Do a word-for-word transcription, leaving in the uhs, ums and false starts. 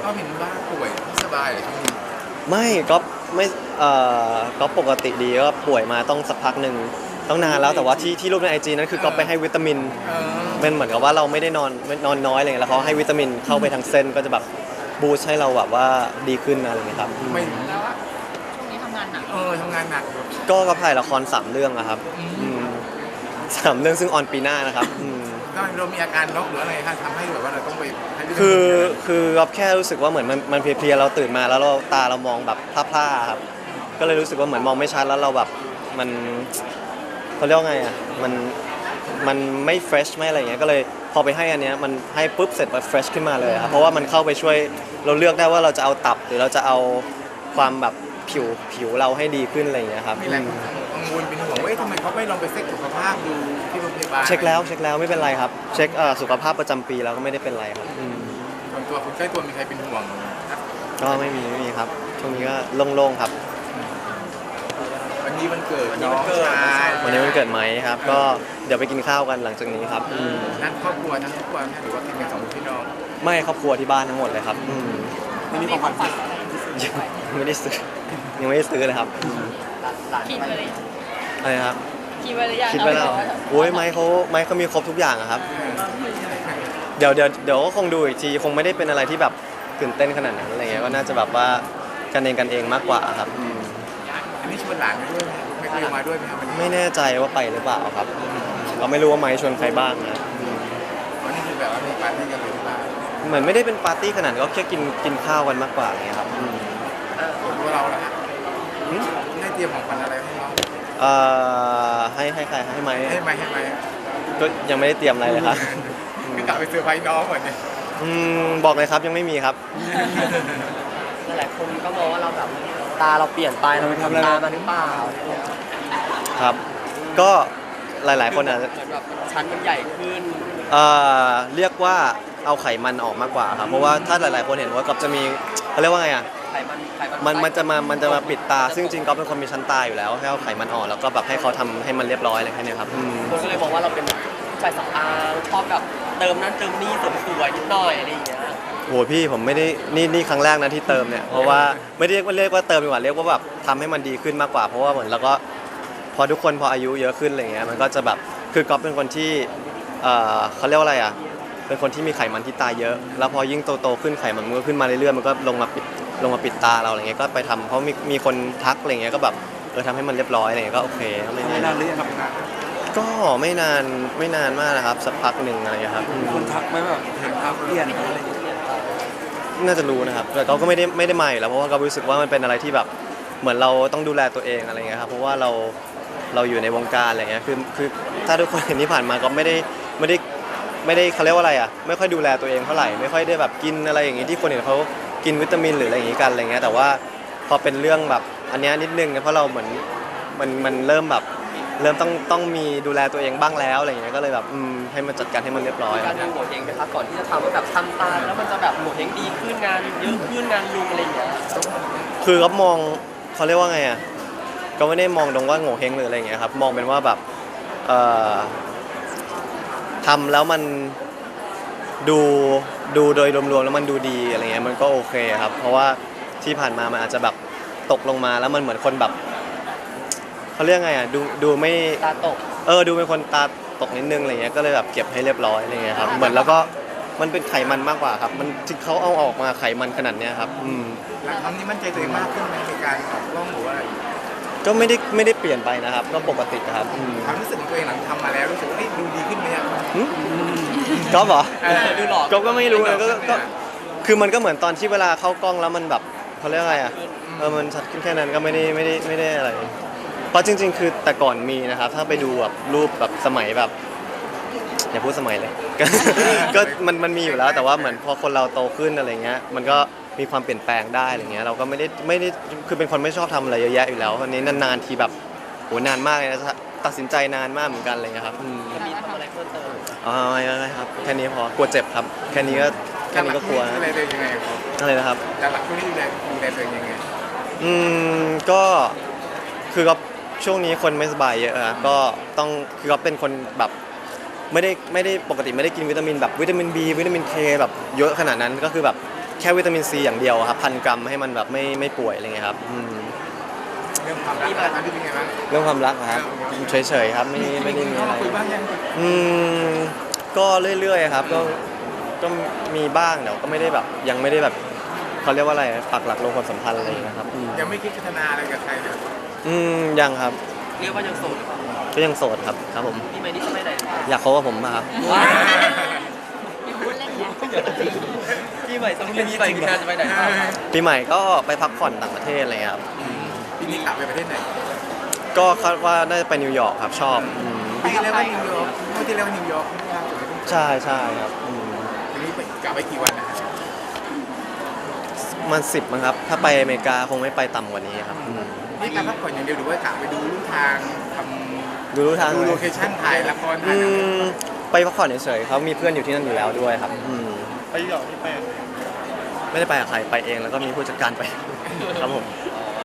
ก็เห็นว่าป่วยสบายเลยช่วงนี้ไม่ก็ไม่เอ่อก็ปกติดีก็ป่วยมาต้องสักพักหนึ่งต้องนานแล้วแต่ว่าที่ที่รูปในไอจีนั้นคือก็ไปให้วิตามินเออเป็นเหมือนกับว่าเราไม่ได้นอนนอนน้อยอะไรเงี้ยแล้วเขาให้วิตามินเข้าไปทางเส้นก็จะแบบบูสต์ให้เราแบบว่าดีขึ้นอะไรเงี้ยครับไม่แล้วว่าช่วงนี้ทำงานหนักเออทำงานหนักก็ก็ถ่ายละครสามเรื่องอะครับอืมสามเรื่องซึ่งออนปีหน้านะครับอืมเรามีอาการน็อกหรืออะไรคะทำให้แบบว่าเราต้องไปให้วิตามินคือคือเราแค่รู้สึกว่าเหมือนมันมันเพลียๆเราตื่นมาแล้วเราตาเรามองแบบพร่าๆครับก็เลยรู้สึกว่าเหมือนมองไม่ชัดแล้วเราแบบมันเขาเรียกว่าไงอ่ะมันมันไม่เฟรชไม่อะไรอย่างเงี้ยก็เลยพอไปให้อันเนี้ยมันให้ปุ๊บเสร็จมันเฟรชขึ้นมาเลยครับเพราะว่ามันเข้าไปช่วยเราเลือกได้ว่าเราจะเอาตับหรือเราจะเอาความแบบผิวผิวเราให้ดีขึ้นอะไรอย่างเงี้ยครับมีหลายคนกังวลเป็นห่วงว่าทำไมเขาไม่ลองไปเช็คสุขภาพดูที่โรงพยาบาลเช็คแล้วเช็คแล้วไม่เป็นไรครับเช็คเอ่อสุขภาพประจำปีแล้วก็ไม่ได้เป็นไรครับอืมส่วนตัวคนใกล้ตัวมีใครเป็นห่วงครับก็ไม่มีไม่มีครับช่วงนี้ก็โล่งๆครับวันนี้วันเกิดน้องชายวันนี้วันเกิดไหมครับ ก็เดี๋ยวไปกินข้าวกันหลังจากนี้ครับอืมนั่นครอบครัวทั้งครอบครัวหรือว่าเป็นกันสองพี่น้องไม่ครอบครัวที่บ้านทั้งหมดเลยครับอืมไม่มีของขวัญยังไม่ได้ซื้อยังไม่ได้ซื้อเลยครับอืมคิดไปเลยอะไรครับคิดไปเลยอยากคิดไว้แล้วโอ้ยไม้เขาไม้เขามีครบทุกอย่างอะครับเดี๋ยวเดี๋ยวเดี๋ยวก็คงดูอีกทีคงไม่ได้เป็นอะไรที่แบบตื่นเต้นขนาดนั้นอะไรเงี้ยก็น่าจะแบบว่ากันเองกันเองมากกว่าครับอืมอันนี้ชวนหลานมาด้วยไหมไม่เคยมาด้วยไหมครับวันนี้ไม่แน่ใจว่าไปหรือเปล่าครับเราไม่รู้ว่าไม้ชวนใครบ้างนะวันนี้คือแบบว่ามีปาร์ตี้กันเลยหรือเปล่าเหมือนไม่ได้เป็นปาร์ตี้ขนาดนั้นก็แค่กินกินข้าวกันมากกว่าอย่างเงี้ยครับอืมส่วนตัวเราล่ะฮะได้เตรียมของขวัญอะไรให้น้องเอ่อให้ให้ใครให้ไหมให้ไหมให้ไหมก็ยังไม่ได้เตรียมอะไรเลยครับคือกลับไปเซอร์ไพรส์น้องเหมือนเนี่ยอืมบอกเลยครับยังไม่มีครับหลายคนก็มองว่าเราแบบตาเราเปลี่ยนไปเราไปทำตามาหรือเปล่าครับ ก็หลายๆคนอาจจะเหมือนแบบชั้นมันใหญ่ขึ้นเอ่อเรียกว่าเอาไขมันออกมากกว่าครับเพราะว่าถ้าหลายๆคนเห็นว่ากับจะมีเขาเรียกว่าไงอ่ะไขมันไขมันมันมันจะมามันจะมาปิดตา ซึ่งจริงๆก็เป็นคนมีชั้นตาอยู่แล้วให้เอาไขมันออกแล้วก็แบบให้เขาทำให้มันเรียบร้อยอะไรแค่เนี้ยครับอืมคนก็เลยมองว่าเราเป็นผู้ชายสำอางชอบแบบเติมนั่นเติมนี่เสริมสวยนิดหน่อยอะไรอย่างเงี้ยโหพี่ผมไม่ได้นี่นี่ครั้งแรกนะที่เติมเนี่ยเพราะว่าไม่ได้เรียกว่าเรียกว่าเติมดีกว่าเรียกว่าแบบทำให้มันดีขึ้นมากกว่า เพราะว่าเหมือนแล้วก็พอทุกคนพออายุเยอะขึ้นอะไรเงี้ยมันก็จะแบบคือก๊อฟเป็นคนที่เอ่อเขาเรียกว่าอะไรอ่ะเป็นคนที่มีไขมันที่ตาเยอะ แล้วพอยิ่งโตๆขึ้นไขมันมันก็ขึ้นมาเรื่อยๆมันก็ลงมาปิดลงมาปิดตาเราอะไรเงี้ยก็ไปทำเพราะมีมีคนทักอะไรเงี้ยก็แบบเออทำให้มันเรียบร้อยอะไรเงี้ยก็โอเคก็ไม่ไม่แน่นานหรือยังครับงานก็ไม่นานไม่นานมากนะครับสักพักหนึ่งอะไรเงี้ยครับอืมคนทักไหมแบบเห็นภาพเปลี่ยนอะไรอย่างเงี้ยน่าจะรู้นะครับแต่เขาก็ไม่ได้ไม่ได้มาอยู่แล้วเพราะว่าเขารู้สึกว่ามันเป็นอะไรที่แบบเหมือนเราต้องดูแลตัวเองอะไรเงี้ยครับเพราะว่าเราเราอยู่ในวงการอะไรเงี้ยคือคือถ้าทุกคนเห็นที่ผ่านมาก็ไม่ได้ไม่ได้ไม่ได้เขาเรียกว่าอะไรอ่ะไม่ค่อยดูแลตัวเองเท่าไหร่ไม่ค่อยได้แบบกินอะไรอย่างงี้ที่คนอื่นเขากินวิตามินหรืออะไรอย่างงี้กันอะไรเงี้ยแต่ว่าพอเป็นเรื่องแบบอันเนี้ยนิดนึงนะเพราะเราเหมือนมันมันเริ่มแบบเริ่มต้องต้องมีดูแลตัวเองบ้างแล้วอะไรเงี้ยก็เลยแบบอืมให้มันจัดการให้มันเรียบร้อยการดูโหเฮงนะครับก่อนที่จะทำว่าแบบทำตาแล้วมันจะแบบโหเฮงดีขึ้นงานเยอะขึ้นงานลุงอะไรอย่างเงี้ยคือก็มองเขาเรียกว่าไงอ่ะก็ไม่ได้มองตรงว่าโง่เฮงหรืออะไรอย่างเงี้ยครับมองเป็นว่าแบบเอ่อทำแล้วมันดูดูโดยรวมๆแล้วมันดูดีอะไรเงี้ยมันก็โอเคครับเพราะว่าที่ผ่านมามันอาจจะแบบตกลงมาแล้วมันเหมือนคนแบบเขาเรียกไงอ่ะดูดูไม่ตาตกเออดูเป็นคนตาตกนิดนึงอะไรเงี้ยก็เลยแบบเก็บให้เรียบร้อยอะไรเงี้ยครับเหมือนแล้วก็มันเป็นไขมันมากกว่าครับมันที่เขาเอาออกมาไขมันขนาดเนี้ยครับอืมหลังทำนี้มั่นใจตัวเองมากขึ้นไหมในการออกกล้องหรือว่าอะไรก็ไม่ได้ไม่ได้เปลี่ยนไปนะครับก็ปกติครับอืมความรู้สึกของตัวเองหลังทำมาแล้วรู้สึกว่าเฮ้ยดูดีขึ้นไหมครับหึก็เหรอเออดูหล่อก็ก็ไม่รู้นะก็ก็ก็คือมันก็เหมือนตอนที่เวลาเข้ากล้องแล้วมันแบบเขาเรียกอะไรอ่ะเออมันชัดขึ้นแค่นั้นก็ไม่ได้ไม่ได้ไม่ได้อะไรเพราะจริง ๆ คือแต่ก่อนมีนะครับถ้าไปดูแบบรูปแบบสมัยแบบอย่าพูดสมัยเลย ก็ก็มันมันมีอยู่แล้วแต่ว่าเหมือนพอคนเราโตขึ้นอะไรเงี้ยมันก็มีความเปลี่ยนแปลงได้อะไรเงี้ยเราก็ไม่ได้ไม่ได้คือเป็นคนไม่ชอบทำอะไรเยอะแยะอยู่แล้ววันนี้นานๆทีแบบโหนานมากเลยนะตัดสินใจนานมากเหมือนกันอะไรเลยครับอืมมีทำอะไรเพิ่มเติมอ๋อไม่ไม่ครับแค่นี้พอกลัวเจ็บครับแค่นี้ก็แค่นี้ก็กลัวดูแลตัวเองยังไงครับอะไรนะครับแต่หลักช่วงนี้ดูแลดูแลตัวเองยังไงอืมก็คือก็ช่วงนี้คนไม่สบายเยอะอะก็ต้องคือก็เป็นคนแบบไม่ได้ไม่ได้ปกติไม่ได้กินวิตามินแบบวิตามิน B วิตามิน K แบบเยอะขนาดนั้นก็คือแบบแค่วิตามินซีอย่างเดียวครับพันกรัมให้มันแบบไม่ไม่ป่วยอะไรเงี้ยครับอืมเรื่องความรักอันนี้เป็นไงบ้างเรื่องความรักนะครับเฉยๆครับไม่ไม่ได้มีอะไรคุยบ้างยังอืมก็เรื่อยๆครับก็ก็มีบ้างเดี๋ยวก็ไม่ได้แบบยังไม่ได้แบบเขาเรียกว่าอะไรปักหลักลงความสัมพันธ์อะไรอย่างเงี้ยครับอืมยังไม่คิดพัฒนาอะไรกับใครเลยอืมยังครับเรียกว่ายังโสดหรือเปล่าก็ยังโสดครับครับผมพี่ใหม่นี่จะไปไหนอยากคบกับผมมาครับพี่ใหม่ต้องเป็นพี่ใหม่คือการจะไปไหนปีใหม่ก็ไปพักผ่อนต่างประเทศอะไรเงี้ยครับปีนี้กลับไปประเทศไหนก็คาดว่าน่าจะไปนิวยอร์กครับชอบอืมปีที่แล้วว่านิวยอร์กเมื่อที่แล้วว่านิวยอร์กใช่ใช่ครับอืมทีนี้ไปกลับไปกี่วันนะมันสิบมั้งครับ ถ้าไปอเมริกาคงไม่ไปต่ำกว่านี้ครับอืมนี่การพักผ่อนอย่างเดียวหรือว่ากลับไปดูลู่ทางทดูรู้ทางำดูไหมโลเคชั่นถ่ายละครอืถ่ายหนังมไปพักผ่อนเฉยๆเขามีเพื่อนอยู่ที่นั่นอยู่แล้วด้วยครับอืมไปนิวยอร์กที่ไปไม่ได้ไปกับใครไปเองแล้วก็มีผู้จัดการไปครับผม